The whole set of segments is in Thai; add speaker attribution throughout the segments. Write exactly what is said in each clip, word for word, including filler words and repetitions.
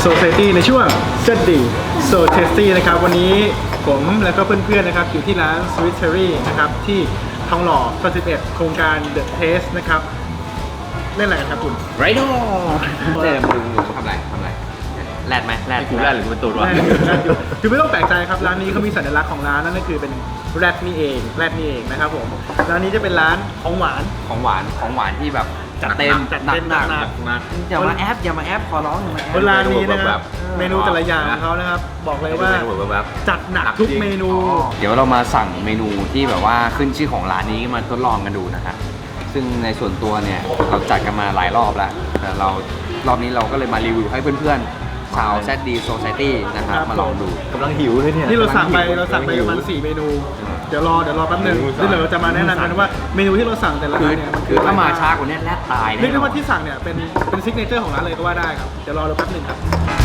Speaker 1: Society ในช่วง เซต ดี So Tasty นะครับวันนี้ผมและก็เพื่อนๆนะครับอยู่ที่ร้าน Sweet Cherry นะครับที่ทองหล่อซอยสิบเอ็ดโครงการ The Taste นะครับเล่นอะไรกันครับคุณ
Speaker 2: ไรโน่เนี่ยมึงมึงทำอะไรทำอะไรแรดไหมแรดกูแรดหรือกูเป็นตูดวะ
Speaker 1: คือไม่ต้องแปลกใจครับร้านนี้เขามีสัญลักษณ์ของร้านนั่นก็คือเป็นแรดนี่เองแรดนี่เองนะครับผมร้านนี้จะเป็นร้านของหวาน
Speaker 2: ของหวานของหวานที่แบบจัดเต็ม
Speaker 1: จัดเต็ม
Speaker 2: หนัก
Speaker 1: หนัก
Speaker 2: หนักอย่ามาแอปอย่ามาแอปขอร้องอย่ามาแอป
Speaker 1: ร้านนี้นะครับเมนูแต่ละอย่างของเขานะครับบอกเลยว่าจัดหนักทุกเมนู
Speaker 2: เดี๋ยวเรามาสั่งเมนูที่แบบว่าขึ้นชื่อของร้านนี้มาทดลองกันดูนะฮะซึ่งในส่วนตัวเนี่ยเราจัดกันมาหลายรอบแล้วแต่เรารอบนี้เราก็เลยมารีวิวให้เพื่อนๆชาว แซด ดี Society นะครับมาลองดูกำลังหิวเลยเนี่ย
Speaker 1: นี่เราสั่งไปเราสั่งไปประมาณสี่เมนูเดี๋ยวรอเดี๋ยวรอแป๊บนึงเดี๋ยวเราจะมาแนะนำกันว่าเมนูที่เราสั่งแต่ละ
Speaker 2: คือ
Speaker 1: ร้านเนี่ยมัน
Speaker 2: คือถ้ามาช้ากว่านี้แลดตาย
Speaker 1: เรียกได้ว่าที่สั่งเนี่ยเป็นเป็นซิกเนเจอร์ของร้านเลยก็ว่าได้ครับเดี๋ยวรอเราแป๊บนึงครับ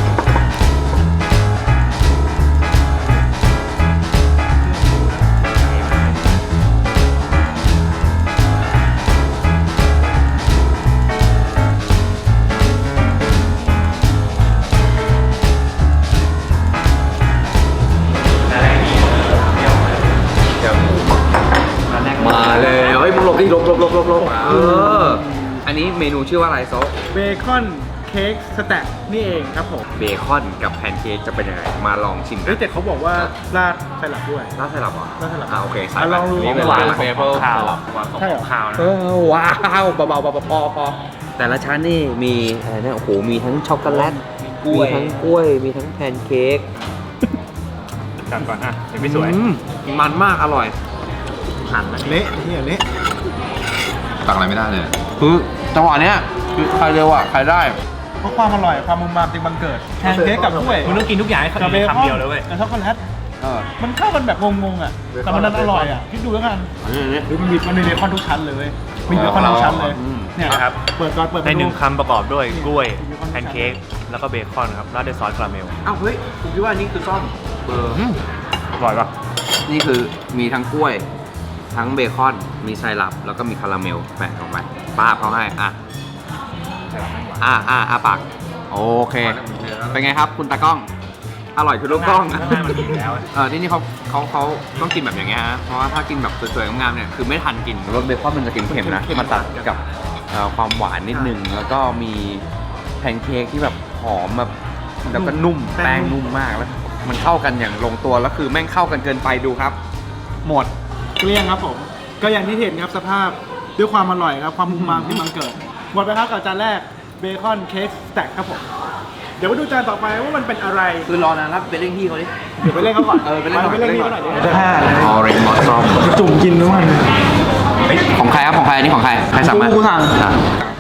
Speaker 2: มาเลยเฮ้ยมึงหลบดิหลบหลบหลบหลบหลบเอออันนี้เมนูชื่อว่าอะไรโซะ
Speaker 1: เบคอนเค้กสแต็กนี่เองครับผม
Speaker 2: เบคอนกับแพนเค้กจะเป็นยังไงมาลองชิม
Speaker 1: เฮ้ยแต่เขาบอกว่าราดไซรัปด้วย
Speaker 2: น่าสลับเหรอ
Speaker 1: น่าสลับ
Speaker 2: อ่าโอเคใส่
Speaker 1: อ่ะลองดู
Speaker 2: นี่เป็นร้านเบเบิล
Speaker 3: ข้าวใช่เหรอข้าวนะ
Speaker 2: เออว้าวเบาๆเบาๆพอพอแต่ละชั้นนี่มีอะไรเนี่ยโอ้โหมีทั้งช็อกโกแลตมีทั้งกล้วยมีทั้งแพนเค้ก
Speaker 3: จัดก่อนอ่ะยังไม่สวย
Speaker 2: อืมมันมากอร่อย
Speaker 3: หั่นแล้ว
Speaker 1: เละเนี่ยเละ
Speaker 4: ตักอะไรไม่ได้เลย
Speaker 2: คือจังหวะเนี้ยคือใครเร็วอ่ะใครได้
Speaker 1: เพราะความอร่อยความมุมมามจึงบังเกิดแพนเค้กกับกล้วย
Speaker 3: มึงต้องกินทุกอย่างให้
Speaker 1: กับเบคอน
Speaker 3: คำเดียวเลยเว้ย
Speaker 1: กับช็อกโกแลต
Speaker 2: เออ
Speaker 1: มันเข้ากันแบบงงๆอ่ะแต่มันอร่อยอ่ะคิดดูแล้วกัน
Speaker 2: อันนี้อันนี้
Speaker 1: หรือมันมีมันมีเบคอนทุกชั้นเลยเว้ยมีเบคอนทุกชั้นเลย
Speaker 2: อืม
Speaker 1: เนี่ย
Speaker 3: นะครับ
Speaker 1: เปิดก่อนเปิด
Speaker 3: ในหนึ่ง
Speaker 1: เม
Speaker 3: คำประกอบด้วยกล้วย
Speaker 1: มีเบคอน
Speaker 3: แพนเค้กแล้วก็เบคอนครับราดด้วยซอสคาราเมล
Speaker 2: อ้าวเฮ้ยผมคิดว่านี่คือซ่อมเบอร์
Speaker 3: อร่อยป่ะ
Speaker 2: นี่คือมีทั้งกล้วย ทั้งเบคอนมีไซรัปแล้วก็มีคาราเมลแปะลงไปป้าบเขาให้อ่ะอ่ะอ่ะอ่ะปากโอเคเป็นไงครับคุณตากล้องอร่อยคือลูกกล้อง
Speaker 3: ข้างหน้ามันมีอยู่แล้ว
Speaker 2: เออที่นี่เขาเขาเขาต้องกินแบบอย่างเงี้ยฮะเพราะว่าถ้ากินแบบสวยๆงามๆเนี่ยคือไม่ทันกินรสเบคอนมันจะเค็มๆนะมาตัดกับเอ่อความหวานนิดนึงแล้วก็มีแพนเค้กที่แบบหอมแบบแล้วก็นุ่มแป้งนุ่มมากแล้วมันเข้ากันอย่างลงตัวแล้วคือแม่งเข้ากันเกินไปดูครับ หมด
Speaker 1: เกลี้ยงครับผมก็อย่างที่เห็นครับสภาพด้วยความอร่อยครับความมุมมามที่บังเกิดหมดไปครับกับจานแรกเบคอนเค้กสแต็กครับผมเดี๋ยวมาดูจานต่อไปว่ามันเป็นอะไร
Speaker 2: คือรอนานแล้วไปเร่งที่เขาดิ
Speaker 1: เดี๋ยวไปเล่นเขาก่อน
Speaker 2: เออไปเล่นก่อน
Speaker 1: ไปเล่นเขาหน่อยดิ
Speaker 2: จะห้าเลยออเรนจ์มอสซอม
Speaker 1: จุ่มกินด้วยมัน
Speaker 2: ของใครครับของใครอันนี้ของใครใครสั่งมา
Speaker 1: กูสั่ง
Speaker 2: อ่ะ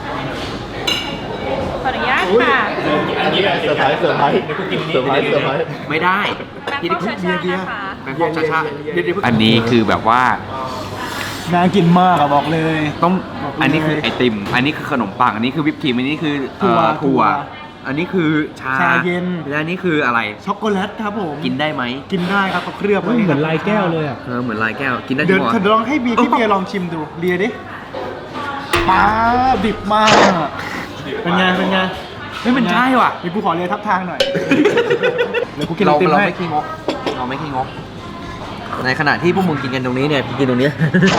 Speaker 5: ขออนุญาตค่ะ
Speaker 4: เซอร์ไพรส์เซอร์ไพรส์เซอร์ไพรส์เซอร์ไพรส์
Speaker 2: ไม่ได้
Speaker 5: แบงคอกชาชานะคะ
Speaker 2: แบงคอกชาชาอันนี้คือแบบว่า
Speaker 1: น่ากินมากอะบอกเลย
Speaker 2: ต้อง
Speaker 1: บอกเลย
Speaker 2: อันนี้คือไอติม อันนี้คือขนมปังอันนี้คือวิปครีมอันนี้คือเอ่อ
Speaker 1: ถั่
Speaker 2: ถั่
Speaker 1: ว
Speaker 2: วอันนี้คือชา
Speaker 1: ชาเย็น
Speaker 2: และอันนี้คืออะไร
Speaker 1: ช็อกโกแลตครับผม
Speaker 2: กินได้ไหม
Speaker 1: กินได้ครับเขาเคลือบไว้
Speaker 3: เหมือนลายแก้วเลยอ่ะ
Speaker 2: เออเหมือนลายแก้วกินได้จ
Speaker 1: เดี๋
Speaker 2: ริ
Speaker 1: ยว
Speaker 2: งเหรอ
Speaker 1: เดี๋ยวลองให้บีพี่เบียร์ลองชิมดูเลียดิป้าดิบมากเป็นไงเป็นไง
Speaker 2: เฮ้ยมันใช่ว่ะ
Speaker 1: มีกูขอเลียทับทางหน่อยเดี๋ยวกูกินไอ
Speaker 2: เรา
Speaker 1: ติม
Speaker 2: เรา
Speaker 1: ให้
Speaker 2: ไม่ขี้งกเราไม่ขี้งกในขณะที่พวกมึงกินกันตรงนี้เนี่ยกินตรงนี้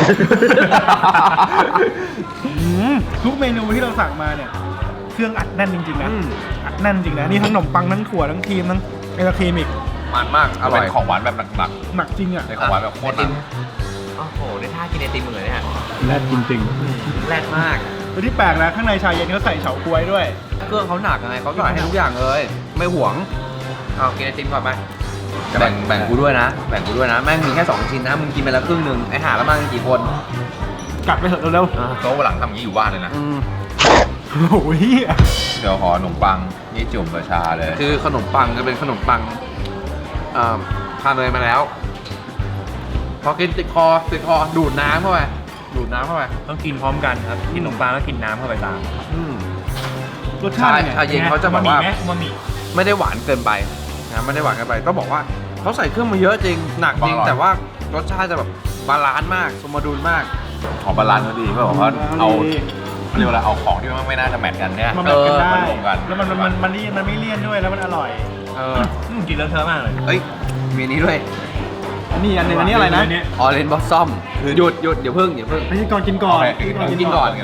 Speaker 1: อืมทุกเมนูที่เราสั่งมาเนี่ยเครื่องอัดแน่นจริงๆนะ
Speaker 2: อืม
Speaker 1: อัดแน่นจริงนะนี่ทั้งขนมปังทั้งถั่วทั้งครีมทั้งไอศครีมอีก
Speaker 2: มันมากอร่
Speaker 4: เป็
Speaker 2: อย
Speaker 4: นของหวานแบบหนัก
Speaker 1: หนักจริงอ่ะ
Speaker 4: ๆเป็นของหวานแบบโคตรหนัก
Speaker 2: โอ้โหได้ท่ากินไอติมเหมือนเนี่ย
Speaker 1: แน่นจริง
Speaker 2: แรดมาก
Speaker 1: ๆแล้วที่แปลกนะข้างในชาเย็นเขาใส่เฉาก๊วยด้วย
Speaker 2: เครื่องเขาหนักไงเขาใส่ให้ทุกอย่างเลย ไม่หวงเอากินไอติมก่อนไป
Speaker 4: แบ่งแบ่ง
Speaker 2: กูด้วยนะ แบ่งกูด้วยนะ แม่งมีแค่สองชิ้นนะ มึงกินไปแล้วครึ่งหนึ่งไอหาแล้วมากันกี่คน
Speaker 1: กัดไปเถอะเร็ว
Speaker 4: โต๊ะวันหลังทำอย่างนี้อยู่บ้านเลยนะ
Speaker 2: อืม
Speaker 1: ๆโอ้โหเหี้ย
Speaker 4: เดี๋ยวขอขนมปังนี่จุ่มกับชาเลย
Speaker 2: คือขนมปังจะเป็นขนมปังเอ่อทานเนยมาแล้ว พอกินติดคอติดคอดูดน้ำเข้าไปดูดน้ำเข้าไป
Speaker 3: ต้องกินพร้อมกันครับที่ขนมปังแล้วกินน้ำเข้าไปตาม
Speaker 2: อืม
Speaker 1: รสชาติ
Speaker 2: ใช่
Speaker 1: เนี่ย
Speaker 2: ชาเย็นเขาจะแบบว่า
Speaker 3: บะหมี่ไหมบะหมี่
Speaker 2: ไม่ได้หวานเกินไปนะไม่ได้หวานเกินไปต้องบอกว่าเขาใส่เครื่องมาเยอะจริงหนักจริง
Speaker 4: อร่อย
Speaker 2: แต่ว่ารสชาติจะแบบบาลานซ์มากสมดุลมาก
Speaker 4: ขอบาลานซ์ก็ดีเพราะว่าเอา
Speaker 6: เรียกว่าอะไรเอาของที่มันไม่น่าจะแมทกันเนี่ย
Speaker 1: มาแมทกันได้
Speaker 6: เออมารวมกัน
Speaker 1: แล้วมันมันมันมันมันไม่เลี่ยนด้วยแล้วมันอร่อย
Speaker 2: เออ
Speaker 3: อืมกินแล้วเธอะมากเลย
Speaker 2: เอ้ย มีอันนี้ด้วย
Speaker 1: อันนี้อันหนึงอันนี้อะไรนะ
Speaker 2: ออเรนจ์บอสซอมหยุดหยุดเดี๋ยวเพิ่งเดี๋ยวเพิ่ง
Speaker 1: ไม่ใช่ก่อนกินก่อน
Speaker 6: โอเคกินก่อน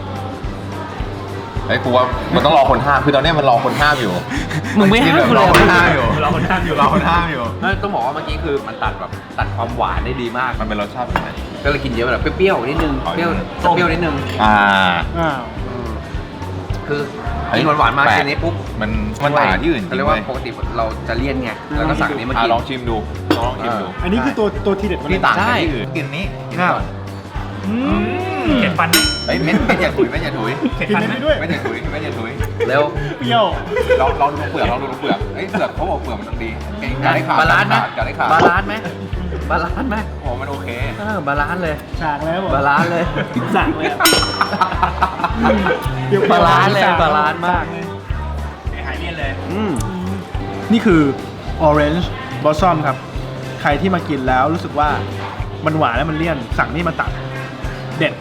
Speaker 6: ไอ้ยกูว่ามันต้องรอคนห้ามคือตอนเนี้ยมันรอคนห้ามอยู่
Speaker 2: มึงไม่ห้าม
Speaker 6: น
Speaker 2: กู
Speaker 6: ร
Speaker 2: เล
Speaker 6: อย คนห้ามอยู่
Speaker 3: รอคนห้ามอยู่
Speaker 6: รอคนห้ามอยู่
Speaker 2: เออต้องบอกว่าเมื่อกี้คือมันตัดแบบตัดความหวานได้ดีมาก
Speaker 6: มันเป็นรสชาติแบบไหน
Speaker 2: ก็เลยกินเยอะแบบเปรี้ยวๆนิดนึง
Speaker 6: อ๋อ
Speaker 2: เปรี้ยวเปรี้ยวนิดนึง
Speaker 6: อ่า
Speaker 1: อ้าว
Speaker 2: คือกินหวานๆมา
Speaker 6: แปลก
Speaker 2: แค่นี้ปุ๊บ
Speaker 6: มันมันต่างจากที่อื่นจ
Speaker 2: เขา
Speaker 6: ริ
Speaker 2: เรีย
Speaker 6: ง
Speaker 2: กว่า
Speaker 6: เว้ย
Speaker 2: ปกติเราจะเลี่ยนไงแล้วก็สั่งอันนี้มา
Speaker 6: อ่ะ
Speaker 2: กิน
Speaker 6: ลองชิมดูลองชิมดู
Speaker 1: อันนี้คือตัวตัวทีเด็ดมัน
Speaker 6: ที่ต่างจาก
Speaker 2: ใช่
Speaker 6: ที่อื่นกินนี้กินก่อน
Speaker 1: อืม
Speaker 3: เก็บฟันไหม
Speaker 6: เฮ้ยเม็ดเม็ดอย่าถุยเม็ดอย่าถุย
Speaker 3: เก็บ
Speaker 1: กิน
Speaker 3: ฟัน
Speaker 1: ได้
Speaker 3: ไหม
Speaker 1: ด้วย
Speaker 6: เม็ดอย่าถุยเม็ดอย่าถุย
Speaker 2: เร็ว
Speaker 1: เปรี้ยว
Speaker 6: ลองลองดูเปลือกลองดูเปลือกเอ้ยเปลือกเขาบอกเปลือกมันต้องดีอย่าได้ขาด
Speaker 2: บาลานซ์ไหม
Speaker 6: อย่าได้ขาด
Speaker 2: บาลานซ์ไหมบาลานซ์ไหม
Speaker 6: โอ้มันโอเค
Speaker 2: เออบาลานซ์เลย
Speaker 1: ฉากแล้ว
Speaker 2: บาลานซ์เลย
Speaker 1: สั่งเลยอะเปรี้ยวๆ
Speaker 2: บาลานซ์เลย
Speaker 1: สั่ง
Speaker 2: บาลานซ์มาก
Speaker 3: หายเลี่ยนเลย
Speaker 2: อืม
Speaker 1: นี่คือ Orange Blossom ครับ ใครที่มากินแล้วรู้สึกว่ามันหวานแล้วมันเลี่ยน สั่งนี่มาตัด เด็ด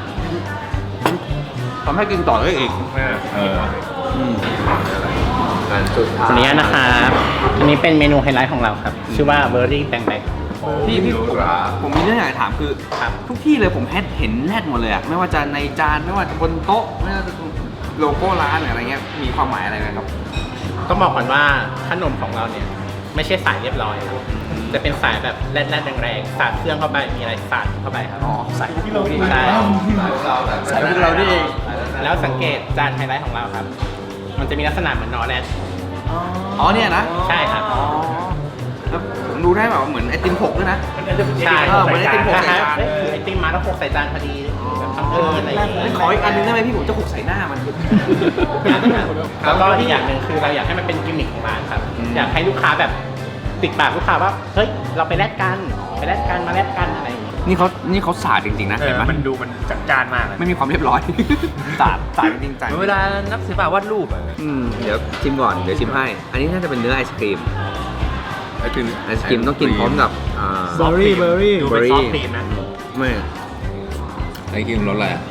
Speaker 2: ทำให้กินต่อได้อีก
Speaker 6: เออ
Speaker 2: อันสุดท้าย
Speaker 7: อันนี้นะครับอันนี้เป็นเมนูไฮไลท์ของเราครับ ชื่อว่าเบอร์รี่แตงแบก
Speaker 2: พี่พี่ผมผมมีเรื่องอยากจะถามคือทุกที่เลยผมเห็นแรดหมดเลยอะไม่ว่าจะในจานไม่ว่าจะบนโต๊ะไม่ว่าจะโลโก้ร้านหรืออะไรเงี้ยมีความหมายอะไรไหมครับ
Speaker 7: ต้องบอกก่อนว่าขนมของเราเนี่ย ไม่ใช่สายเรียบร้อยครับจะเป็นสายแบบแรดๆแรงๆสาดเครื่องเข้าไปมีอะไรสาดเข้าไปครับ
Speaker 2: อ๋อใส่
Speaker 1: ที่เรา
Speaker 7: ใช่
Speaker 2: ใส่พวกเราดิ
Speaker 7: แล้วสังเกตจานไฮไลท์ของเราครับ มันจะมีลักษณะเหมือนนอแรด
Speaker 2: อ๋อเนี่ยนะ
Speaker 7: ใช่ครับ
Speaker 2: อ๋อแล้วผมดูได้แบบว่าเหมือนไอติมหกด้วยนะ
Speaker 7: ใช่
Speaker 2: เออเหมือนไอติมหก
Speaker 7: ค
Speaker 2: ใส่
Speaker 7: ล้าย
Speaker 2: จาน
Speaker 7: ๆคือไอติมมาแล้วหกใส่จานพอดีแบบทำเอออะไรอย่างเงี้ย
Speaker 2: ขออีกอันนึงได้ไหมพี่ผมจะหกใส่หน้ามัน
Speaker 7: แล้วก็อีกอย่างหนึ่งคือเราอยากให้มันเป็นกิมมิคของร้านครับ
Speaker 2: อืม
Speaker 7: อยากให้ลูกค้าแบบติดปากลูกค้าว่าเฮ้ยเราไปแลกกันไปแลกกันมาแลกกันอะไรอย่างเงี้ย
Speaker 2: นี่เขานี่เขาสาดจริงๆนะ
Speaker 3: เอ
Speaker 2: เห็น
Speaker 3: อ
Speaker 2: ไหม
Speaker 3: มันดูมันจัดจานมากเลย
Speaker 2: ไม่มีความเรียบร้อย สาดสาดจริงๆจัง
Speaker 3: เวลานักศิลปะวาดรูปอะ
Speaker 2: อืมเดี๋ยวชิมก่อนเดี๋ยวชิมให้ อันนี้น่าจะเป็นเนื้อไอศครีม
Speaker 6: ไอติม
Speaker 2: ไอศครีมต้องกินพร้อมกับอ่า
Speaker 1: เบอร์รี่เบอร์รี่
Speaker 3: ดูเป็นซอฟต์ครีมนะ
Speaker 2: ไม่
Speaker 6: ไอติมรสอะไรอะ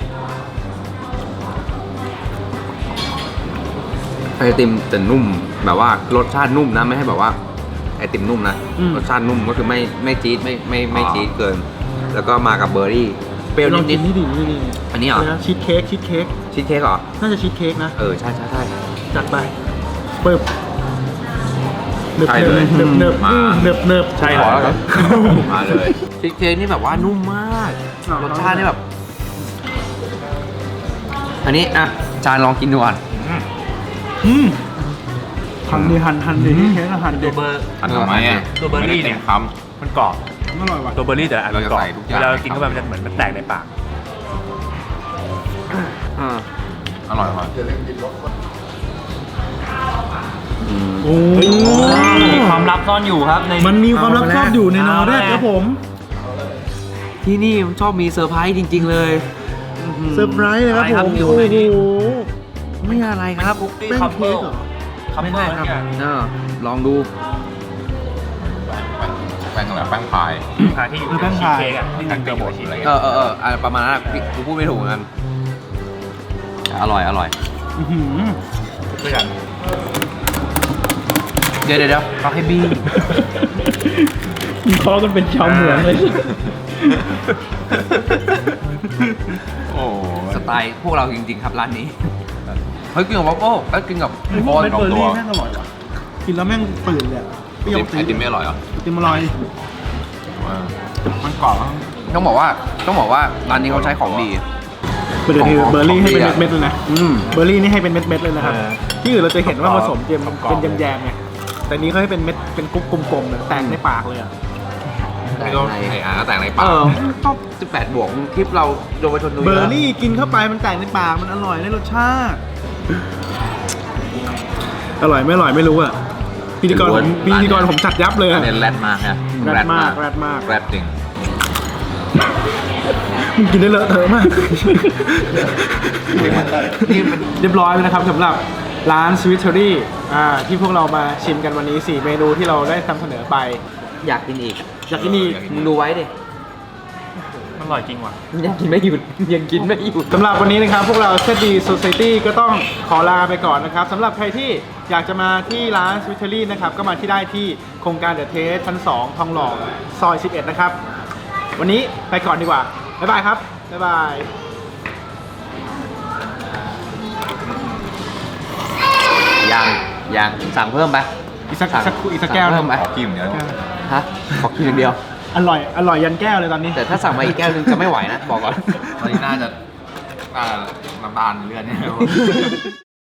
Speaker 2: ไอติมจะนุ่มแบบว่ารสชาตินุ่มนะไม่ให้แบบว่าไอติมนุ่มนะ
Speaker 1: อืม
Speaker 2: รสชาตินุ่มก็คือไม่ไม่จี๊ดไม่ไม่ไม่จี๊ดเกิน แล้วก็มากับเบอร์รี่เปรี้ยว
Speaker 1: ลองกิ
Speaker 2: นิ
Speaker 1: น
Speaker 2: ด
Speaker 1: นี่ดินี่นี่
Speaker 2: ๆอันนี้เหรอ
Speaker 1: ชีสเค้กชีสเค้ก
Speaker 2: ชีสเค้กเหรอ
Speaker 1: น่าจะชีสเค้กนะ
Speaker 2: เออใช่ใช่ใช่
Speaker 1: จัดไปปึ๊บเนิบ
Speaker 6: ใช่
Speaker 1: เนิ
Speaker 6: เลย
Speaker 1: บเนิบเนิบ
Speaker 6: มา
Speaker 1: เนิบเนิบ
Speaker 3: ใช่
Speaker 6: ขอแล้วครับมาเลย
Speaker 2: ชีสเค้กนี่แบบว่านุ่มมากรสชาตินี่แบบ อันนี้อ่ะจานลองกินดูก่อน
Speaker 1: อืมหั่นดิหั่นหั่นดิชีสเค้กอะหั่นดิ
Speaker 3: ตัวเบอร์
Speaker 6: อันทำไมอ่ะ
Speaker 3: ตัวเบอร์รี่เนี่ย
Speaker 6: ไม่ได้ต็มค
Speaker 3: มันกรอบ
Speaker 1: อร่อยว่ะ
Speaker 3: ตัวเบอร์รี่แต่ละอันมันกรอบ
Speaker 6: เราจะใส่ทุกอย่าง
Speaker 3: เวลาเรากินเข้าไปมันจะเหมือนมันแตกในปาก
Speaker 2: อ่า
Speaker 6: ำอร่อยมาก
Speaker 1: โอ้
Speaker 3: มีความลับซ่อนอยู่ครับใน
Speaker 1: มันมีความลับซ่อนอยู่ในนอแรกครับผม
Speaker 2: ที่นี่ชอบมีเซอร์ไพรส์จริง ๆ เลย
Speaker 1: เซอร์ไพรส์เลยครับผม
Speaker 3: อยู่
Speaker 1: โอ้
Speaker 3: ในนี้
Speaker 1: โห
Speaker 2: ไม่อะไรครับ
Speaker 1: แป้งเค้กเหรอ
Speaker 3: ไม่ใช่ครับ
Speaker 2: เออลองดู
Speaker 6: แป้งอะไรแป้งพาย
Speaker 3: พาที่อยู่
Speaker 1: เออแป้งพาย
Speaker 3: ชีสเค้กอะที่มันเป็นหัวชีส
Speaker 6: อะไร
Speaker 2: เออเออเอออ่ะประมาณนั้นอะพี่กูพูดไม่ถูกเหมือนกัน อร่อยอร่อย
Speaker 1: อื้อหือ
Speaker 3: ด้วยกัน
Speaker 2: เดี๋ยวเดี๋ยวเดี๋ยวเขาให้บี้
Speaker 1: มีคอกันเป็นชาวเหมืองเลย
Speaker 6: โอ้
Speaker 2: สไตล์พวกเราจริง ๆ ครับร้านนี้ เฮ้ยกินกับวัฟเฟิลเอ้ยกินกับ
Speaker 1: ไอ้พวกเม็ดเบอร์รี่แม่งอร่อยว่ะกินแล้วแม่งตื่นเลยอะเปรี้ยว
Speaker 6: ไอติมไม่อร่อยเหรอ
Speaker 1: ไอติมอร่อย
Speaker 6: มันกรอบมั้ง
Speaker 2: ต้องบอกว่าต้องบอกว่าร้านนี้เขาใช้ของดี
Speaker 1: เบอร์รี่เบอร์รี่ให้เป็น
Speaker 2: ของดีอะ
Speaker 1: เม็ดๆเลยนะ
Speaker 2: อืม
Speaker 1: เบอร์รี่นี่ให้เป็นเม็ดๆเลยนะครับ
Speaker 3: เออ
Speaker 1: ที่อื่นเราจะเห็นว่าผสมเจม
Speaker 3: กรอบๆ
Speaker 1: เป็นแยมๆไงแต่นี้เขาให้เป็นเม็ดเป็นกุ๊กกลมๆเลยแตกในปากเลยอ่ะ
Speaker 6: นี่ก็ไออาร์ก็แต่งใน
Speaker 2: เอ
Speaker 6: ปาก
Speaker 2: อชอบสิบแปดบวกคลิปเราโดนไปชนดู
Speaker 1: เบอร์รี่กินเข้าไปมันแตกในปากมันอร่อยในรสชาติ อร่อยไม่อร่อยไม่รู้อ่ะพิธีกรผมพิธีกรผมจัดยับเลยอะ
Speaker 6: เน้นแรดมากฮะ
Speaker 1: แรดมากแรดมาก
Speaker 6: แรดจริง
Speaker 1: มึงกินได้เลอะเทอะมาก
Speaker 2: นี่มัน
Speaker 1: เรียบร้อยแล้วนะครับสำหรับร้าน Sweet Cherry อ่าที่พวกเรามาชิมกันวันนี้สี่เมนูที่เราได้นำเสนอไป
Speaker 2: อยากกินอีก
Speaker 1: อยากกินอีก
Speaker 2: มึงดูไว้ดิ
Speaker 1: มัน
Speaker 3: อร่อยจริงว่ะ
Speaker 2: ยังกินไม่หยุดยังกินไม่หยุด
Speaker 1: สำหรับวันนี้นะครับพวกเรา เซด ดี Society ก็ต้องขอลาไปก่อนนะครับสำหรับใครที่อยากจะมาที่ร้าน Sweetery นะครับก็มาที่ได้ที่โครงการ The Taste ชั้น สอง ทองหล่อซอย สิบเอ็ด นะครับ วันนี้ไปก่อนดีกว่า บ๊ายบายครับ บ๊ายบาย
Speaker 2: ยังยังสั่งเพิ่มไป
Speaker 1: อีกสักสักอีกสักแก้ว
Speaker 2: สั่งเพิ่มไป
Speaker 6: ขอกินเดี๋ยว
Speaker 2: ฮะขอกินอย่างเดียว
Speaker 1: อร่อย อร่อยยันแก้วเลยตอนนี้
Speaker 2: แต่ถ้าสั่งมาอีกแก้วนึงจะไม่ไหวนะบอกก่อน
Speaker 6: ตอนนี้น่าจะอ่าน้ำตาลเลือดเนี่ย